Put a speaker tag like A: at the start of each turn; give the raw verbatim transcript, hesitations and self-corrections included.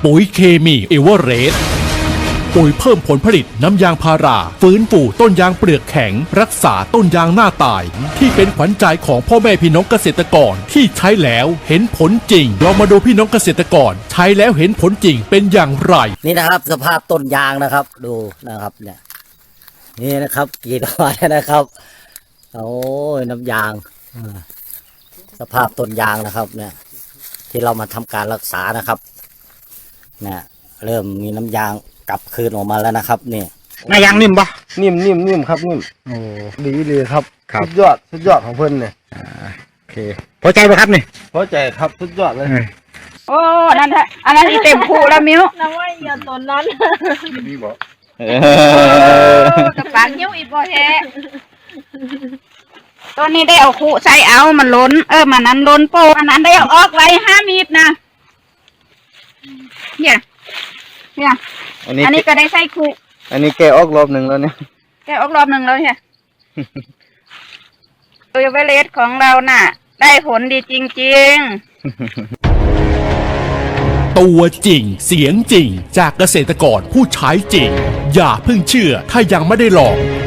A: ปุ๋ยเคมีเอเวอเรสต์ปุ๋ยเพิ่มผลผลิตน้ำยางพาราฟื้นฟูต้นยางเปลือกแข็งรักษาต้นยางหน้าตายที่เป็นขวัญใจของพ่อแม่พี่น้องเกษตรกรที่ใช้แล้วเห็นผลจริงเรามาดูพี่น้องเกษตรกรใช้แล้วเห็นผลจริงเป็นอย่างไร
B: นี่นะครับสภาพต้นยางนะครับดูนะครับเนี่ยนี่นะครับกี่ดอกนะครับโอ้ยน้ำยางสภาพต้นยางนะครับเนี่ยที่เรามาทำการรักษานะครับเนี่ยเริ่มมีน้ำยางกลับคืนออกมาแล้วนะครับนี่
C: นายางนิ่มปะ
D: นิ่มนิ่มนิ่มครับนิ่ม
C: โอ้
D: ดีเลยครับสุดยอดสุดยอดของเพิ่นเนี่ย
C: โอเคพอใจไหมครับนี่
D: พอใจครับสุดยอดเลย
E: โอ้นั่นฮะอันนั้นอีเต็มคู่แล้วมิ้ว
F: น้ำว่าอย่าตนนั้น
C: นี่บอก
E: กับปากยิ้วอีกบ่แท้ตัวนี้ได้เอาคู่ใส่เอามันล้นเออมันนั้นล้นโปอันนั้นได้เอาออกไว้ห้ามีดนะเนี่ยเนี่ยอันนี้อันนี้ก็ได้ใส่คู่
D: อันนี้แกออกรอบหนึ่งแล้วเนี่ย
E: แกออกรอบหนึ่งแล้วเนี่ยตัวเวเลสของเราน่ะได้ผลดีจริง
A: ๆตัวจริงเสียงจริงจากเกษตรกรผู้ใช้จริงอย่าเพิ่งเชื่อถ้ายังไม่ได้ลอง